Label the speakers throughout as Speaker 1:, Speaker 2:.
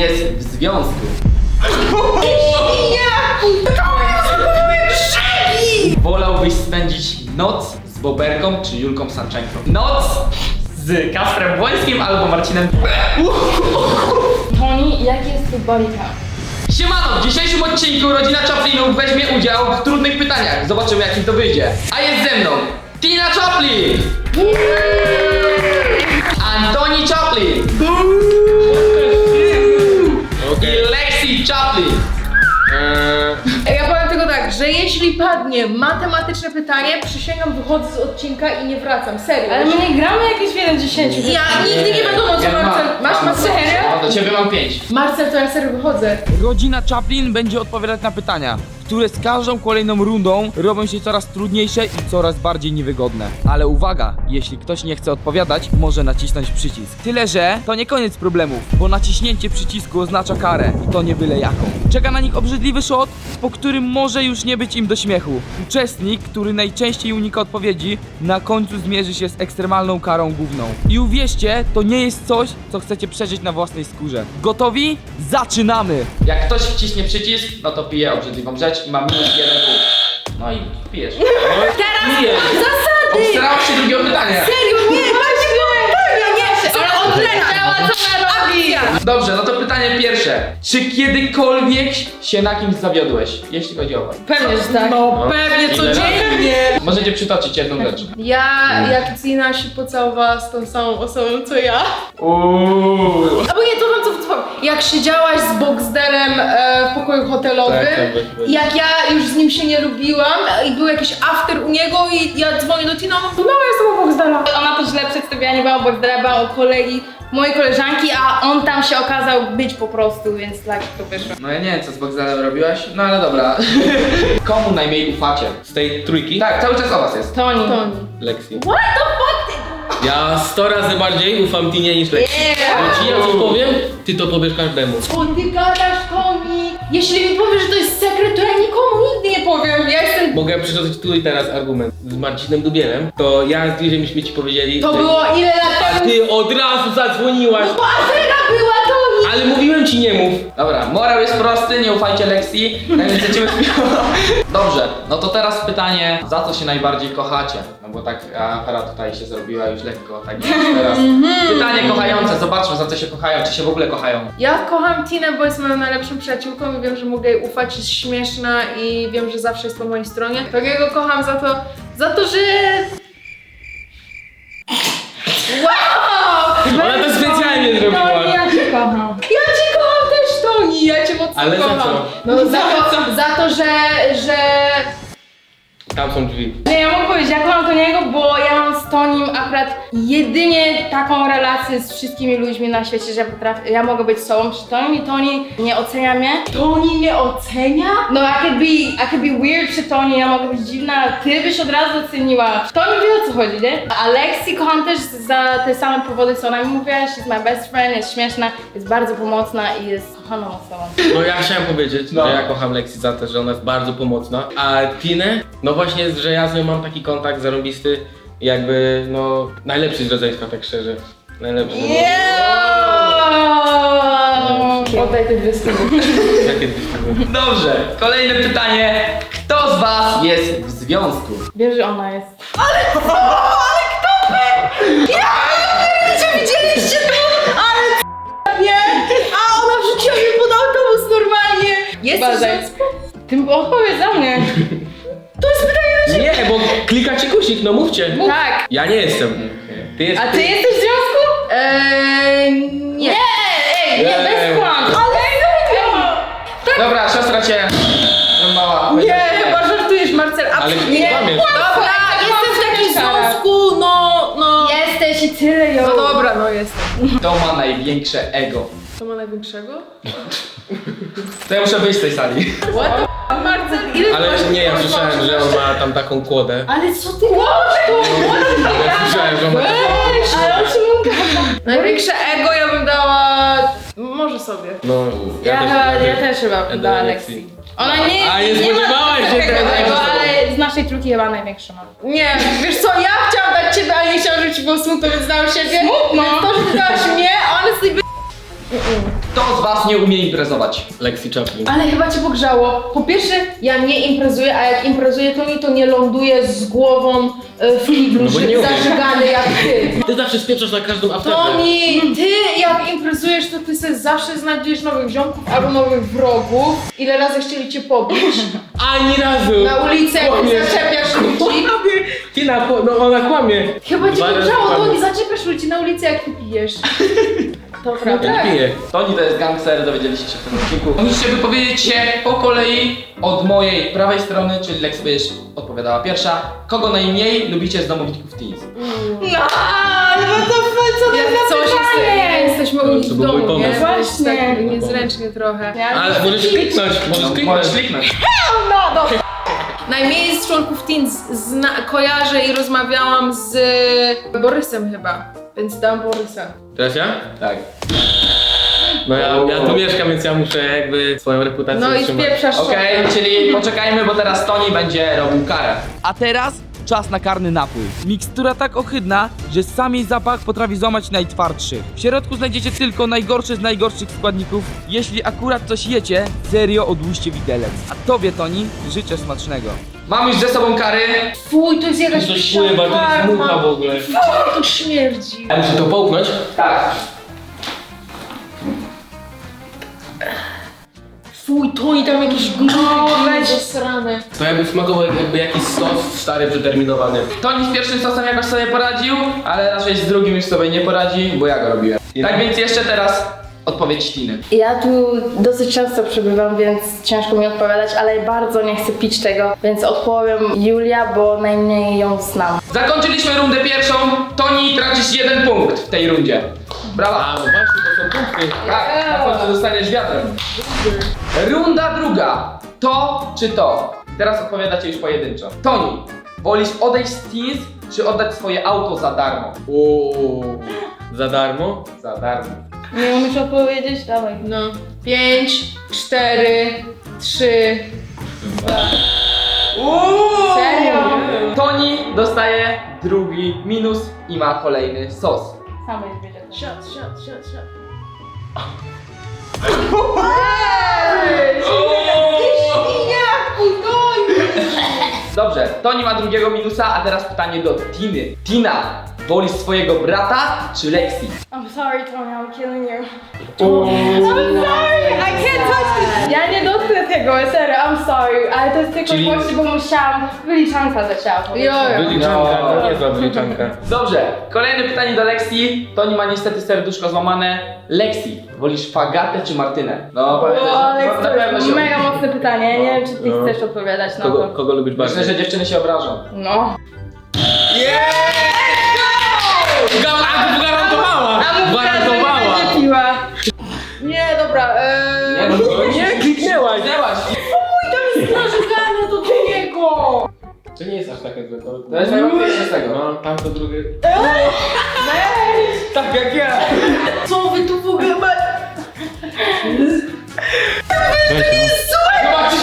Speaker 1: jest w związku? Wolałbyś spędzić noc z Boberką czy Julką Sanczenką? Noc z Kasprem Błońskim albo Marcinem.
Speaker 2: Toni, jaki jest twój body count?
Speaker 1: Siemano, w dzisiejszym odcinku rodzina Chaplinów weźmie udział w trudnych pytaniach. Zobaczymy, jak im to wyjdzie. A jest ze mną Tina Chaplin, Antoni Chaplin i Lexi Chaplin.
Speaker 3: Ja powiem tylko tak, że jeśli padnie matematyczne pytanie, przysięgam, wychodzę z odcinka i nie wracam, serio.
Speaker 2: Ale my nie gramy jakieś 1-10.
Speaker 3: Ja nigdy nie wiadomo co Marcel. Masz Marcel?
Speaker 1: No, do ciebie mam 5.
Speaker 3: Marcel, to ja serio wychodzę.
Speaker 4: Rodzina Chaplin będzie odpowiadać na pytania, które z każdą kolejną rundą robią się coraz trudniejsze i coraz bardziej niewygodne. Ale uwaga, jeśli ktoś nie chce odpowiadać, może nacisnąć przycisk. Tyle, że to nie koniec problemów, bo naciśnięcie przycisku oznacza karę i to nie byle jaką. Czeka na nich obrzydliwy shot, po którym może już nie być im do śmiechu. Uczestnik, który najczęściej unika odpowiedzi, na końcu zmierzy się z ekstremalną karą główną. I uwierzcie, to nie jest coś, co chcecie przeżyć na własnej skórze. Gotowi? Zaczynamy!
Speaker 1: Jak ktoś wciśnie przycisk, no to pije obrzydliwą rzecz i ma minus 1 punkt. No i pijesz.
Speaker 3: Teraz
Speaker 1: Pijesz.
Speaker 3: zasady!
Speaker 1: Obstarałaś się drugiego pytania.
Speaker 3: Serio, nie, nie, ale on leciała, co ona robi?
Speaker 1: Dobrze, no to pytanie pierwsze. Czy kiedykolwiek się na kimś zawiodłeś, jeśli chodzi o was?
Speaker 3: Pewnie, że tak. No pewnie, codziennie.
Speaker 1: Możecie przytoczyć jedną rzecz.
Speaker 3: Ja, jak Tina się pocałowała z tą samą osobą, co ja. Albo nie, to wam co powiem. Jak siedziałaś z Boxderem w pokoju hotelowym, jak ja już z nim się nie lubiłam i był jakiś after u niego i ja dzwonię do Tina, no ja jestem u Boxdera. Ona to źle przedstawiała, nie była u Boxdera, była u kolegi, mojej koleżanki, a on tam się okazał być po prostu, więc tak to wyszło.
Speaker 1: No ja nie wiem, co z Bogdanem robiłaś, no ale dobra. Komu najmniej ufacie?
Speaker 5: Z tej trójki?
Speaker 1: Tak, cały czas o was jest.
Speaker 3: Toni.
Speaker 5: Lexi.
Speaker 3: What the fuck?
Speaker 5: Ja 100 razy bardziej ufam Tinie niż Lexi. Bo ci ja coś powiem, ty to powiesz każdemu.
Speaker 3: Co ty gadasz, Toni? Jeśli mi powiesz, że to jest sekret, to ja nikomu nigdy nie powiem. Ja jestem...
Speaker 5: Mogę przytoczyć tu i teraz argument. Z Marcinem Dubielem, to ja z Liżem myśmy ci powiedzieli,
Speaker 3: To
Speaker 5: że...
Speaker 3: było ile lat
Speaker 5: A
Speaker 3: temu?
Speaker 5: ty od razu zadzwoniłaś.
Speaker 3: Bo afera była, Toni!
Speaker 5: Ale mówiłem ci nie mów.
Speaker 1: Dobra, morał jest prosty, nie ufajcie Lexi. Najpierw lecimy Dobrze, no to teraz pytanie, za co się najbardziej kochacie? No bo tak afera tutaj się zrobiła już lekko, tak więc teraz pytanie kochające, zobaczmy za co się kochają, czy się w ogóle kochają.
Speaker 3: Ja kocham Tinę, bo jest moją najlepszą przyjaciółką i wiem, że mogę jej ufać, jest śmieszna i wiem, że zawsze jest po mojej stronie. Takiego kocham za to, że... Wow!
Speaker 5: Ona to specjalnie zrobiła.
Speaker 2: Toni, ja cię kocham.
Speaker 3: Ja cię kocham też, Toni! Ja cię mocno
Speaker 5: Ale za
Speaker 3: kocham.
Speaker 5: co?
Speaker 3: No za to, że...
Speaker 5: Tam są drzwi.
Speaker 2: Nie, ja mogę powiedzieć, ja kocham Toniego, bo ja mam z Tonim akurat jedynie taką relację z wszystkimi ludźmi na świecie, że ja mogę być sobą przy Tonim i Toni nie ocenia mnie.
Speaker 3: Toni mnie ocenia?
Speaker 2: No, I could be weird przy Toni, ja mogę być dziwna, a ty byś od razu oceniła. Toni wie, o co chodzi, nie? A Lexi kocham też za te same powody, co ona mi mówiła, she's my best friend, jest śmieszna, jest bardzo pomocna i jest kochaną osobą.
Speaker 5: No ja chciałem powiedzieć, że ja kocham Lexi za to, że ona jest bardzo pomocna. A Tinę, no właśnie, że ja z nią mam taki kontakt zarąbisty, jakby no najlepszy z rodzeństwa, tak szczerze. Najlepszy.
Speaker 3: Oddaj te 200.
Speaker 5: Jakie dwie
Speaker 1: Dobrze, kolejne pytanie. Kto z was jest w związku?
Speaker 2: Wiesz, że ona jest.
Speaker 3: Czy widzieliście to? Ale nie? A ona wrzuciła mnie pod autobus normalnie. Jesteś w związku?
Speaker 2: Ty odpowiedz za mnie.
Speaker 3: To jest pytanie.
Speaker 5: Nie, bo klikacie guzik, no mówcie.
Speaker 2: Tak.
Speaker 5: Ja nie jestem. Ty
Speaker 2: A
Speaker 5: jesteś.
Speaker 2: ty jesteś w związku?
Speaker 3: Nie.
Speaker 2: Ej, nie, bez kłamstw.
Speaker 1: Dobra, siostra cię mała.
Speaker 3: Nie, chyba żartujesz, Marcel.
Speaker 5: Ale
Speaker 3: nie.
Speaker 5: kłamiesz.
Speaker 3: Dobra, jestem w takim związku, no.
Speaker 2: Jesteś i tyle, jo.
Speaker 3: No dobra, no jestem.
Speaker 1: Kto ma największe ego?
Speaker 3: Co ma największego?
Speaker 1: To ja muszę wyjść z tej sali.
Speaker 3: What the f***, Marcel? Ile ty
Speaker 5: Ale
Speaker 3: masz
Speaker 5: nie, ja
Speaker 3: lat?
Speaker 5: słyszałem, że on ma tam taką kłodę.
Speaker 2: Ale co ty robisz?
Speaker 5: Ja słyszałem, że on ma taką...
Speaker 2: Ale o czym on gada?
Speaker 3: Największe ego ja bym dała... Może sobie.
Speaker 5: No,
Speaker 2: Ja też chyba
Speaker 5: Edo
Speaker 2: dała
Speaker 5: Lexi.
Speaker 2: Lexi. Ona nie...
Speaker 5: A nie spodziewałaś się
Speaker 2: takiego
Speaker 5: tego.
Speaker 2: ego, ale z naszej trójki chyba największa ma.
Speaker 3: Nie, wiesz co, ja chciałam dać ciebie, ale nie chciałam, żeby ci było smutno, więc dałam siebie.
Speaker 2: Smutno?
Speaker 3: Więc to, że ty dałaś mnie, honestly,
Speaker 1: Kto z was nie umie imprezować?
Speaker 5: Lexi Chaplin.
Speaker 3: Ale chyba cię pogrzało. Po pierwsze, ja nie imprezuję, a jak imprezuję, to nie ląduję z głową w kiblu,
Speaker 5: No bo nie umiem.
Speaker 3: zażygany jak ty.
Speaker 5: Ty zawsze spieprzasz na każdą aptekę.
Speaker 3: Toni, ty jak imprezujesz, to ty sobie zawsze znajdziesz nowych ziomków albo nowych wrogów. Ile razy chcieli cię pobić?
Speaker 5: Ani razu!
Speaker 3: Na ulicy, jak
Speaker 5: Kłamiesz.
Speaker 3: zaczepiasz ludzi.
Speaker 5: Tina, no ona kłamie.
Speaker 3: Chyba cię
Speaker 5: Dwa razy
Speaker 3: pogrzało,
Speaker 5: kłamie.
Speaker 3: Toni, zaczepiasz ludzi na ulicy, jak ty pijesz. To
Speaker 5: Ja
Speaker 3: prawda.
Speaker 5: nie piję.
Speaker 1: Toni to jest gangster, dowiedzieliście się w tym odcinku. Musicie wypowiedzieć się po kolei od mojej prawej strony, czyli Lex będziesz odpowiadała pierwsza. Kogo najmniej lubicie z domowników Teens?
Speaker 2: No, ale to co
Speaker 3: Jak coś jesteśmy u nich
Speaker 5: To
Speaker 3: w
Speaker 5: był mój
Speaker 3: domu, nie?
Speaker 5: pomysł.
Speaker 2: Właśnie.
Speaker 3: Tak niezręcznie trochę.
Speaker 5: Ale możesz kliknąć,
Speaker 1: Możesz kliknąć.
Speaker 3: Najmniej z członków Teens kojarzę i rozmawiałam z Borysem chyba, więc dam Borysa.
Speaker 5: Teraz ja?
Speaker 1: Tak.
Speaker 5: No ja tu mieszkam, więc ja muszę jakby swoją reputację
Speaker 3: No i
Speaker 5: utrzymać.
Speaker 3: wpieprzasz
Speaker 1: Okej, czyli poczekajmy, bo teraz Toni będzie robił karę.
Speaker 4: A teraz czas na karny napój. Mikstura tak ohydna, że sam jej zapach potrafi złamać najtwardszych. W środku znajdziecie tylko najgorsze z najgorszych składników. Jeśli akurat coś jecie, serio odłóżcie widelec. A tobie, Toni, życzę smacznego.
Speaker 1: Mam już ze sobą kary.
Speaker 3: Fuj, to jest jakaś
Speaker 5: Coś pływa, to jest mucha w ogóle.
Speaker 3: To śmierdzi.
Speaker 5: Ja muszę to połknąć?
Speaker 1: Tak.
Speaker 3: Fuj, to i tam jakieś gnój zasrane.
Speaker 5: To jakby smakował jakby jakiś sos stary, przeterminowany.
Speaker 1: Toni z pierwszym sosem jakoś sobie poradził, ale raczej z drugim już sobie nie poradzi, bo ja go robiłem. Tak więc jeszcze teraz odpowiedź Tiny.
Speaker 2: Ja tu dosyć często przebywam, więc ciężko mi odpowiadać, ale bardzo nie chcę pić tego, więc odpowiem Julia, bo najmniej ją znam.
Speaker 1: Zakończyliśmy rundę pierwszą. Toni, tracisz 1 punkt w tej rundzie. Brawa.
Speaker 5: A, no właśnie, to są punkty.
Speaker 1: Tak, na końcu dostaniesz wiatrem. Runda druga. To czy to? Teraz odpowiadacie już pojedynczo. Toni, wolisz odejść z Teens, czy oddać swoje auto za darmo?
Speaker 5: Uuu, za darmo?
Speaker 1: Za darmo.
Speaker 2: Nie umiesz odpowiedzieć? Dawaj.
Speaker 3: No. 5, 4, 3.
Speaker 2: Serio?
Speaker 1: Toni dostaje drugi minus i ma kolejny sos.
Speaker 2: Sama jest wiedzieć.
Speaker 3: Shot.
Speaker 1: Dobrze, Toni ma drugiego minusa, a teraz pytanie do Tiny. Tina, wolisz swojego brata czy Lexi?
Speaker 2: I'm sorry, Tony, I'm killing you. I'm sorry, I can't touch this. Ja nie dotknę tego, serio, I'm sorry, ale to jest tylko
Speaker 5: Czyli-
Speaker 2: właśnie, bo musiałam, wyliczanka zaczęła powiedzieć.
Speaker 5: Wyliczanka,
Speaker 1: No.
Speaker 5: to niezła wyliczanka.
Speaker 1: Dobrze, kolejne pytanie do Lexi. Toni ma niestety serduszko złamane. Lexi, wolisz Fagatę czy Martynę? No, pamiętaj,
Speaker 2: O, ale
Speaker 1: no, na
Speaker 2: to
Speaker 1: pewno
Speaker 2: jest
Speaker 1: się...
Speaker 2: mega mocne pytanie, nie wiem czy ty
Speaker 5: No.
Speaker 2: chcesz odpowiadać na
Speaker 5: Kogo,
Speaker 2: to.
Speaker 5: kogo lubisz bardziej?
Speaker 1: Myślę, że dziewczyny się obrażą.
Speaker 2: No.
Speaker 5: Gwarantowała! Gwarantowała!
Speaker 2: Będzie piła.
Speaker 3: Nie, dobra.
Speaker 1: Nie, no,
Speaker 5: Nie, kliknęłaś!
Speaker 1: Kliknęłaś.
Speaker 3: Narzekanie do niego!
Speaker 5: To nie jest aż takie złe.
Speaker 1: To jest najłatwiejsze z tego.
Speaker 5: No, tamto drugie. Tak jak ja!
Speaker 3: Co wy tu w ogóle macie?
Speaker 1: Zobaczcie,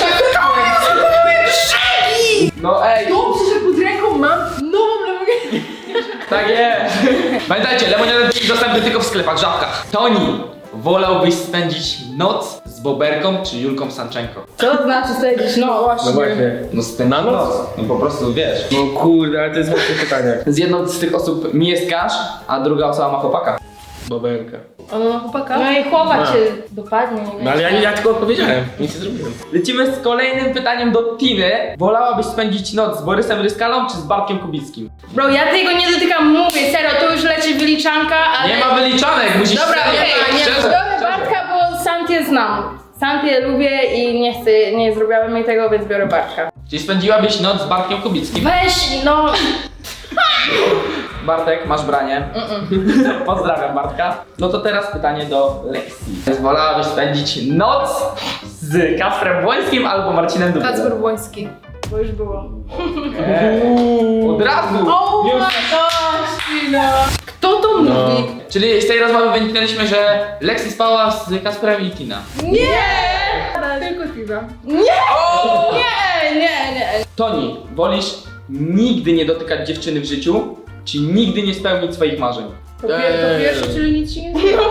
Speaker 1: no ej,
Speaker 3: Dobrze, że pod ręką mam nową lemoniadę.
Speaker 1: tak jest. Pamiętajcie, lemoniadę dostępny tylko w sklepach, żabkach. Toni, wolałbyś spędzić noc z Boberką czy Julką Sanczenko?
Speaker 2: Co to znaczy spędzić noc?
Speaker 5: No właśnie.
Speaker 1: No spędzić
Speaker 5: Na noc?
Speaker 1: No po prostu wiesz.
Speaker 5: No kurde, ale to jest łatwe pytanie.
Speaker 1: Z jedną z tych osób mieszkasz, a druga osoba ma chłopaka.
Speaker 5: Boberka.
Speaker 3: Ona ma chłopaka?
Speaker 2: No i chłopak
Speaker 5: No.
Speaker 2: cię dopadnie, nie wiem.
Speaker 5: No ale ja tylko odpowiedziałem, nic nie zrobiłem.
Speaker 1: Lecimy z kolejnym pytaniem do Tiny. Wolałabyś spędzić noc z Borysem Ryskalą czy z Bartkiem Kubickim?
Speaker 2: Bro, ja tego nie dotykam, mówię, serio, to już leci wyliczanka, ale...
Speaker 1: Nie ma wyliczanek, musisz
Speaker 2: Dobra,
Speaker 1: serio,
Speaker 2: okej, nie,
Speaker 1: szczerze,
Speaker 2: biorę
Speaker 1: szczerze.
Speaker 2: Bartka, bo Santię znam. Santię lubię i nie chcę, nie zrobiłem jej tego, więc biorę Bartka.
Speaker 1: Czyli spędziłabyś noc z Bartkiem Kubickim.
Speaker 2: Weź, no...
Speaker 1: Bartek, masz branie. Pozdrawiam Bartka. No to teraz pytanie do Lexi. Wolałabyś spędzić noc z Kasprem Błońskim albo Marcinem Dubylem?
Speaker 3: Kacper Błoński.
Speaker 2: Bo już było.
Speaker 1: Od razu!
Speaker 3: Oh my
Speaker 1: Już.
Speaker 3: gosh, Tina! Kto to mówi?
Speaker 1: Czyli z tej rozmowy wyniknęliśmy, że Lexi spała z Kasprem i Tina.
Speaker 3: Nie! Tylko piwa.
Speaker 2: Nie.
Speaker 1: Toni, wolisz nigdy nie dotykać dziewczyny w życiu, czy nigdy nie spełnić swoich marzeń?
Speaker 3: To pierwsze, czyli nic się nie zmienia.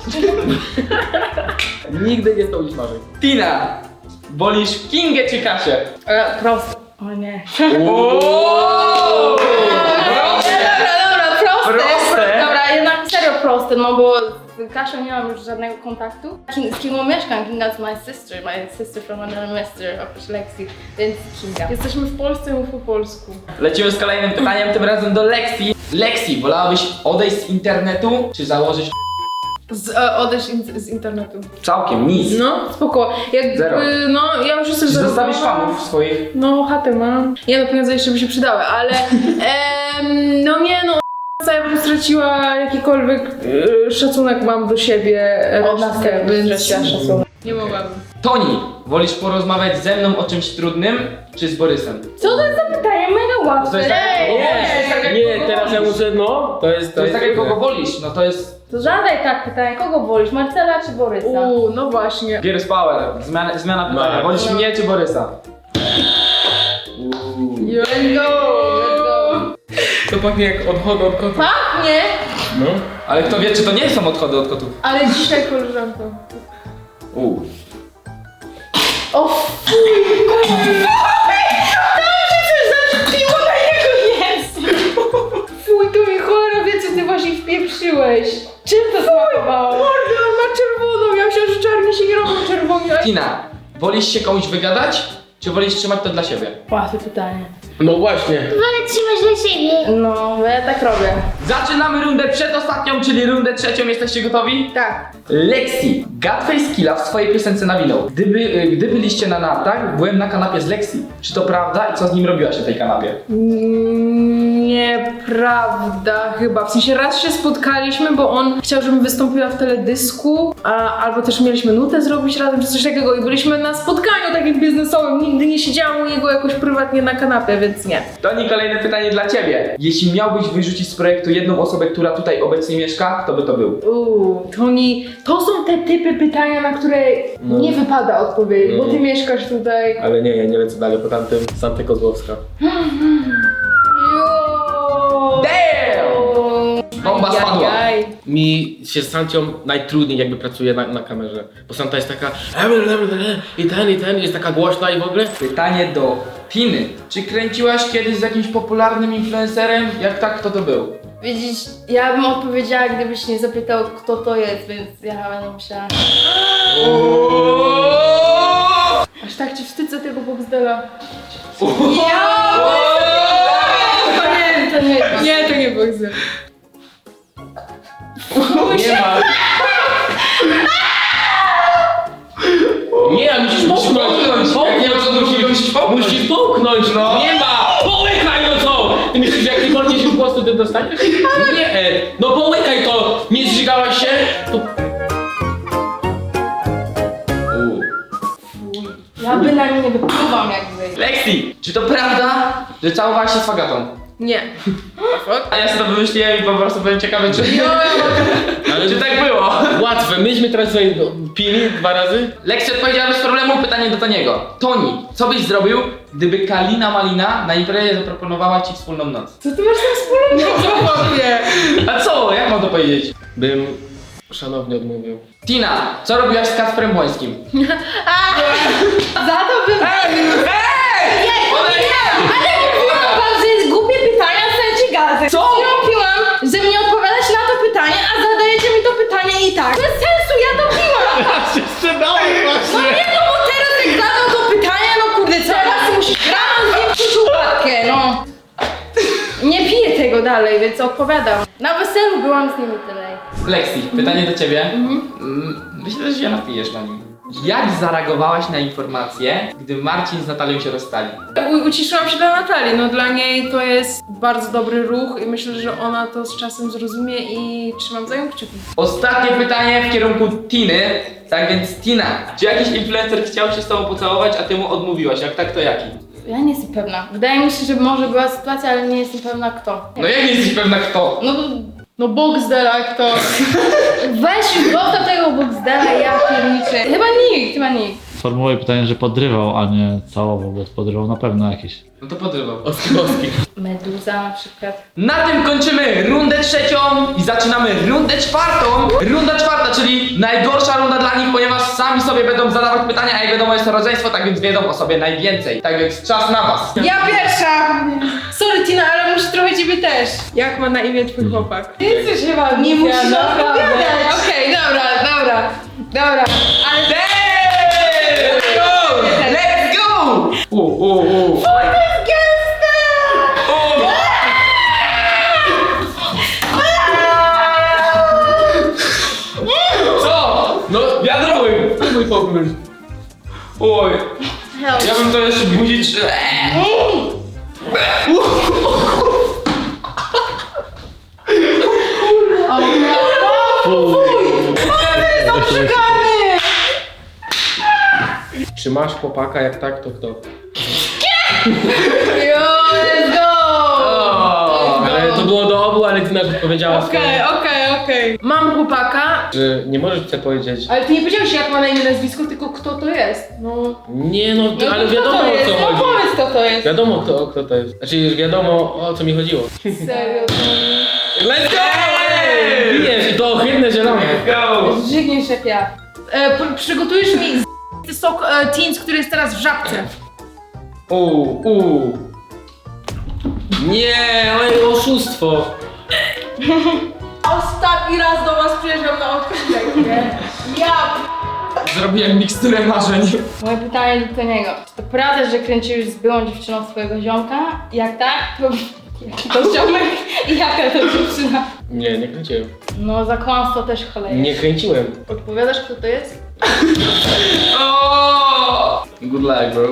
Speaker 5: Nigdy nie spełnisz marzeń.
Speaker 1: Tina, wolisz Kingę czy Kasię?
Speaker 2: Proste. O nie.
Speaker 1: Ooo!
Speaker 2: Dobra, proste.
Speaker 1: Proste?
Speaker 2: Dobra, jednak serio proste, no bo z Kasią nie mam już żadnego kontaktu. Z Kingą mieszkam, Kinga is my sister from another mister, oprócz Lexi, więc Kinga.
Speaker 3: Jesteśmy w Polsce, mów po polsku.
Speaker 1: Lecimy z kolejnym pytaniem, tym razem do Lexi. Lexi, wolałabyś odejść z internetu, czy założyć
Speaker 3: Odejść z internetu.
Speaker 1: całkiem nic?
Speaker 3: No, spoko. Jakby,
Speaker 1: Zero.
Speaker 3: no, ja już jestem
Speaker 1: Czy
Speaker 3: zarobiona.
Speaker 1: zostawisz fanów swoich?
Speaker 3: No, chatę mam. Nie no, pieniądze jeszcze by się przydały, ale no nie no, ja bym straciła jakikolwiek szacunek mam do siebie.
Speaker 2: Od nas
Speaker 3: resztkę,
Speaker 2: też
Speaker 3: więc
Speaker 2: straciła szacunek.
Speaker 3: nie mogłabym.
Speaker 1: Toni, wolisz porozmawiać ze mną o czymś trudnym, czy z Borysem?
Speaker 2: Co to jest za pytanie? Mega łatwe.
Speaker 1: To jest tak-
Speaker 5: Nie, teraz ja muszę, no, to jest
Speaker 1: To jest tak jak
Speaker 5: trudne.
Speaker 1: kogo wolisz, no to jest
Speaker 2: To zadaj tak pytanie, kogo wolisz, Marcela czy Borysa?
Speaker 3: No właśnie.
Speaker 1: Gears Power, zmiana pytania, wolisz mnie czy Borysa?
Speaker 2: Let's go.
Speaker 5: To pachnie jak odchody od kotów.
Speaker 2: Pachnie,
Speaker 5: No.
Speaker 1: Ale kto wie, czy to nie są odchody od kotów?
Speaker 3: Ale dzisiaj koleżanko.
Speaker 2: o fuj, zaczepiło na jego język. Fuj, to mi cholera wie, co ty właśnie wpieprzyłeś. Czym to smakowało?
Speaker 3: Kurde, on ma czerwoną, ja myślałam, że czarni się nie robią czerwoni, ale...
Speaker 1: Tina, wolisz się komuś wygadać, czy wolisz trzymać to dla siebie?
Speaker 2: Łatwe pytanie.
Speaker 5: No właśnie.
Speaker 6: Wolę trzymać dla siebie.
Speaker 2: No, ja tak robię.
Speaker 1: Zaczynamy rundę przedostatnią, czyli rundę trzecią. Jesteście gotowi?
Speaker 3: Tak.
Speaker 1: Lexi, Godface Killa w swojej piosence nawinął. Gdy byliście na nartach, byłem na kanapie z Lexi. Czy to prawda i co z nim robiłaś na tej kanapie?
Speaker 3: Nieprawda chyba. W sensie raz się spotkaliśmy, bo on chciał, żebym wystąpiła w teledysku, albo też mieliśmy nutę zrobić razem, czy coś takiego i byliśmy na spotkaniu takim biznesowym. Nigdy nie siedziałam u niego jakoś prywatnie na kanapie, więc nie.
Speaker 1: Toni, kolejne pytanie dla ciebie. Jeśli miałbyś wyrzucić z projektu jedną osobę, która tutaj obecnie mieszka, kto by to był?
Speaker 3: Toni, to są te typy pytania, na które nie wypada odpowiedzieć, bo ty mieszkasz tutaj.
Speaker 5: Ale nie, ja nie lecę dalej po tamtym. Santa Kozłowska.
Speaker 1: Damn! Bomba spadła.
Speaker 3: Ajajaj.
Speaker 5: Mi się z Sancią najtrudniej jakby pracuje na kamerze. Bo Santa jest taka i ten, jest taka głośna i w ogóle.
Speaker 1: Pytanie do Tiny. Czy kręciłaś kiedyś z jakimś popularnym influencerem? Jak tak, kto to był?
Speaker 2: Widzisz, ja bym odpowiedziała, gdybyś nie zapytał, kto to jest, więc ja będę musiała...
Speaker 3: Aż tak cię wstydzę tego Boxdela.
Speaker 2: To nie jest.
Speaker 3: Nie, to nie Boxdel.
Speaker 5: Nie ma. Nie, musisz połknąć.
Speaker 1: Jak nie ma, to musisz połknąć.
Speaker 5: Musisz połknąć, no. Nie ma. Połykaj, no co? Ty myślisz, że jak nie podniesiesz w głosu, ty dostaniesz? Nie. No połykaj to. Nie zżygałaś się? To...
Speaker 2: Ja bynajmniej nie wypływam jakby.
Speaker 1: Lexi, czy to prawda, że całowałaś się z Fagatą?
Speaker 3: Nie.
Speaker 1: A ja sobie to wymyśliłem i po prostu byłem ciekawy, czy,
Speaker 5: Ale
Speaker 1: czy tak było.
Speaker 5: łatwe. Myśmy teraz sobie pili 2 razy.
Speaker 1: Lexi odpowiedziała bez problemu, pytanie do Toniego. Toni, co byś zrobił, gdyby Kalina Malina na imprezie zaproponowała ci wspólną noc?
Speaker 3: Co ty masz tam wspólnego? Zobaczcie.
Speaker 1: A co? Jak mam to powiedzieć?
Speaker 5: Bym szanownie odmówił.
Speaker 1: Tina, co robiłaś z Kacprem Błońskim?
Speaker 2: Za to bym...
Speaker 1: Ej!
Speaker 2: Ale mówiłam wam, że jest głupie pytania, chcecie gazet.
Speaker 1: Co?
Speaker 2: Piłam, że mnie odpowiadać na to pytanie, a zadajecie mi to pytanie i tak. Bez sensu, ja to piłam. No nie, no bo teraz jak zadał to pytanie, no kurde, teraz musisz rano zwiększyć uwagę, no. Nie piję tego dalej, więc odpowiadam. Na weselu byłam z nimi tyle.
Speaker 1: Lexi, pytanie do ciebie. Myślę, że się napijesz na nim. Jak zareagowałaś na informację, gdy Marcin z Natalią się rozstali?
Speaker 3: Uciszyłam się dla Natalii, no dla niej to jest bardzo dobry ruch i myślę, że ona to z czasem zrozumie i trzymam za nią kciuki.
Speaker 1: Ostatnie pytanie w kierunku Tiny. Tak więc Tina, czy jakiś influencer chciał się z tobą pocałować, a ty mu odmówiłaś? Jak tak, to jaki?
Speaker 2: Ja nie jestem pewna. Wydaje mi się, że może była sytuacja, ale nie jestem pewna kto.
Speaker 1: No jak nie jesteś pewna kto?
Speaker 2: No
Speaker 3: No Boxdel aktor.
Speaker 2: Weź głowę tego Boxdela, ja pierniczę. Chyba nikt.
Speaker 7: Formułuję pytanie, że podrywał, a nie całował, bo podrywał na pewno jakiś.
Speaker 1: No to podrywał.
Speaker 5: Oskowski.
Speaker 2: Meduza na przykład.
Speaker 1: Na tym kończymy rundę trzecią i zaczynamy rundę czwartą. Runda czwarta, czyli najgorsza runda dla nich, ponieważ sami sobie będą zadawać pytania, a jak wiadomo jest to rodzeństwo, tak więc wiedzą o sobie najwięcej. Tak więc czas na was.
Speaker 3: Ja pierwsza! Sorry Tina, ale muszę trochę ciebie też. Jak ma na imię twój chłopak?
Speaker 2: Ty jesteś chyba
Speaker 3: Nie musisz
Speaker 2: naprawdę.
Speaker 3: odpowiadać.
Speaker 2: Okej, dobra. Ale
Speaker 1: Let's go! Let's go! Co? No wiadomo, mój pokój. Oj, ja bym to jeszcze budzić.
Speaker 5: Czy masz chłopaka? Jak tak, to kto?
Speaker 2: let's go!
Speaker 5: Ale to było do obu, ale Tina już powiedziała
Speaker 3: Okej. Mam chłopaka,
Speaker 5: że nie możesz chcę powiedzieć.
Speaker 3: ale ty nie powiedziałeś jak ma na imię nazwisko, tylko kto to jest. No,
Speaker 5: Nie no,
Speaker 3: no
Speaker 5: ale
Speaker 3: kto
Speaker 5: wiadomo
Speaker 3: to
Speaker 5: o
Speaker 3: jest?
Speaker 5: co
Speaker 3: No
Speaker 5: chodzi.
Speaker 3: powiedz kto to jest.
Speaker 5: Wiadomo kto to jest. Znaczy wiadomo o co mi chodziło.
Speaker 3: Serio.
Speaker 5: Let's go! Wiesz, to ohydne zielone.
Speaker 2: Żygniesz jak ja.
Speaker 3: Przygotujesz mi sok Teens, który jest teraz w żabce.
Speaker 5: Nie, ale oszustwo.
Speaker 3: Ostatni raz do was przyjeżdżam na odcinek, nie? Ja
Speaker 1: Zrobiłem miksturę marzeń.
Speaker 2: Moje pytanie do Toniego. Czy to prawda, że kręciłeś z byłą dziewczyną swojego ziomka? Jak tak, to jaki to ziomek i jaka to dziewczyna?
Speaker 5: Nie kręciłem.
Speaker 2: No za kłamstwo też choleje.
Speaker 5: Nie kręciłem.
Speaker 3: Odpowiadasz kto to jest?
Speaker 1: Good luck, bro.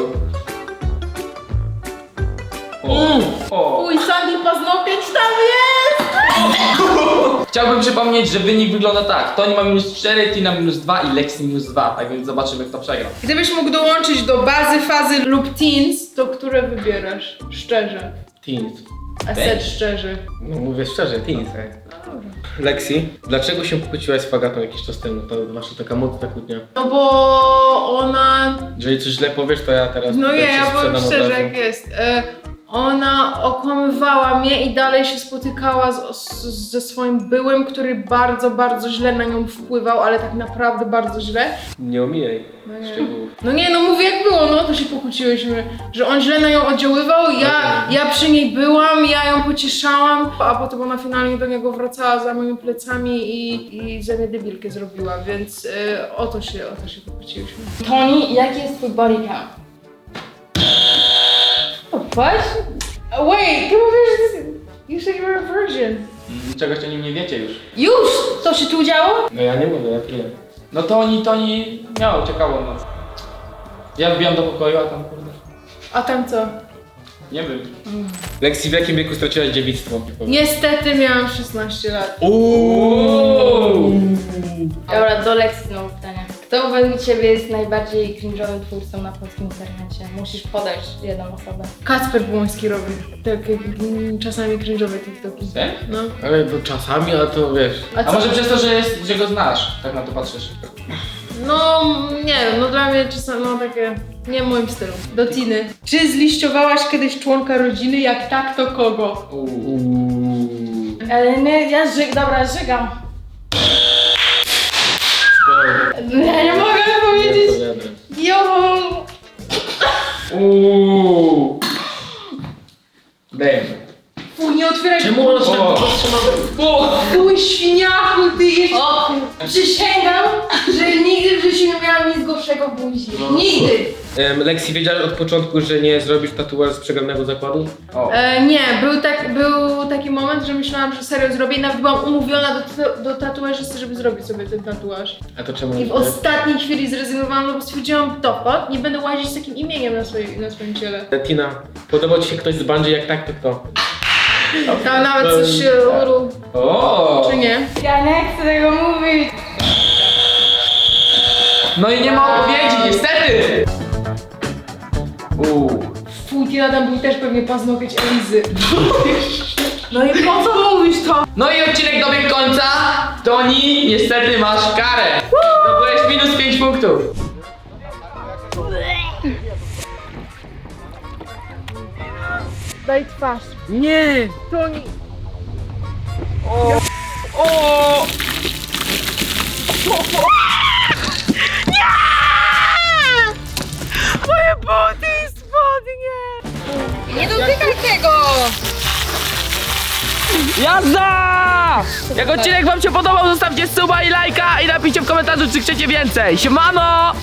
Speaker 3: Uj, Sandy paznokieć tam jest!
Speaker 1: Chciałbym przypomnieć, że wynik wygląda tak. Toni ma -4, Tina -2 i Lexi -2, tak więc zobaczymy kto przegra.
Speaker 3: Gdybyś mógł dołączyć do bazy, fazy lub teens, to które wybierasz? Szczerze.
Speaker 5: Teens.
Speaker 3: A set szczerze.
Speaker 5: No mówię szczerze, teens. Lexi, dlaczego się pokłóciłaś z Fagatą jakiś czas temu? To wasza taka mocna kłótnia.
Speaker 3: No bo ona...
Speaker 5: Jeżeli coś źle powiesz, to ja teraz
Speaker 3: No
Speaker 5: tutaj
Speaker 3: nie,
Speaker 5: się
Speaker 3: ja powiem
Speaker 5: sprzedam od
Speaker 3: szczerze
Speaker 5: razu.
Speaker 3: jak jest. Ona okłamywała mnie i dalej się spotykała ze swoim byłym, który bardzo, bardzo źle na nią wpływał, ale tak naprawdę bardzo źle.
Speaker 5: Nie omijaj
Speaker 3: No nie.
Speaker 5: szczegółów.
Speaker 3: No nie, no mówię jak było, no to się pokłóciłyśmy, że on źle na nią oddziaływał, ja przy niej byłam, ja ją pocieszałam, a potem ona finalnie do niego wracała za moimi plecami i ze mnie debilkę zrobiła, więc o to się pokłóciłyśmy.
Speaker 2: Toni, jaki jest twój body count?
Speaker 3: What? Wait, ty mówisz, you said you were a virgin.
Speaker 1: Czegoś o nim nie wiecie już.
Speaker 2: Już! To się tu działo?
Speaker 5: No ja nie mówię, ja piję.
Speaker 1: No Toni miał ciekawą noc. Ja wbijam do pokoju, a tam kurde.
Speaker 3: A tam co?
Speaker 1: Nie wiem.
Speaker 5: Lexi, w jakim wieku straciłaś dziewictwo?
Speaker 3: Niestety miałam 16 lat.
Speaker 2: Dobra, do Lexi znowu pytanie. Kto według ciebie jest najbardziej cringe'owym twórcą na polskim internecie? Musisz podać jedną osobę.
Speaker 3: Kacper Błoński robi takie czasami cringe'owe TikToki.
Speaker 1: Serio?
Speaker 3: No.
Speaker 5: Ale to czasami, ale to wiesz.
Speaker 1: A może przez to, że go znasz, tak na to patrzysz.
Speaker 3: No, nie wiem, no dla mnie czasami, no takie, nie w moim stylu. Do Tiny. Czy zliściowałaś kiedyś członka rodziny? Jak tak, to kogo?
Speaker 2: Ale nie, dobra, żygam. Ja nie mogę powiedzieć. Jo!
Speaker 1: Damn.
Speaker 3: Fuj, nie otwieraj.
Speaker 5: Czemu ona się tak
Speaker 1: O.
Speaker 5: powstrzymała?
Speaker 3: Fuj, świniaku, ty jeszcze...
Speaker 2: O, przysięgam, że nigdy w życiu nie miałam nic gorszego w buzi. Nigdy!
Speaker 5: Lexi, wiedziałeś od początku, że nie zrobisz tatuażu z przegranego zakładu?
Speaker 3: Nie, był taki moment, że myślałam, że serio zrobię i nawet byłam umówiona do tatuażysty, żeby zrobić sobie ten tatuaż.
Speaker 5: A to czemu
Speaker 3: I w
Speaker 5: nie?
Speaker 3: ostatniej chwili zrezygnowałam, no bo stwierdziłam, dopad, nie będę łazić z takim imieniem na swoim ciele.
Speaker 5: Tina, podoba ci się ktoś z Bungie? Jak tak, to kto?
Speaker 3: Tam nawet coś
Speaker 1: O!
Speaker 3: czy nie?
Speaker 2: Ja nie chcę tego mówić.
Speaker 1: No i nie ma odpowiedzi, niestety!
Speaker 3: Fuj, tam był też pewnie paznokieć Elizy. No i po co mówisz to?
Speaker 1: No i odcinek dobiegł końca. Toni, niestety masz karę. Zdobyłeś minus 5 punktów.
Speaker 3: Daj twarz.
Speaker 1: Nie!
Speaker 3: Toni.
Speaker 1: O!
Speaker 3: Moje buty i spodnie!
Speaker 2: Nie dotykaj tego!
Speaker 4: Jazda! Jak odcinek wam się podobał, zostawcie suba i lajka i napiszcie w komentarzu, czy chcecie więcej. Siemano!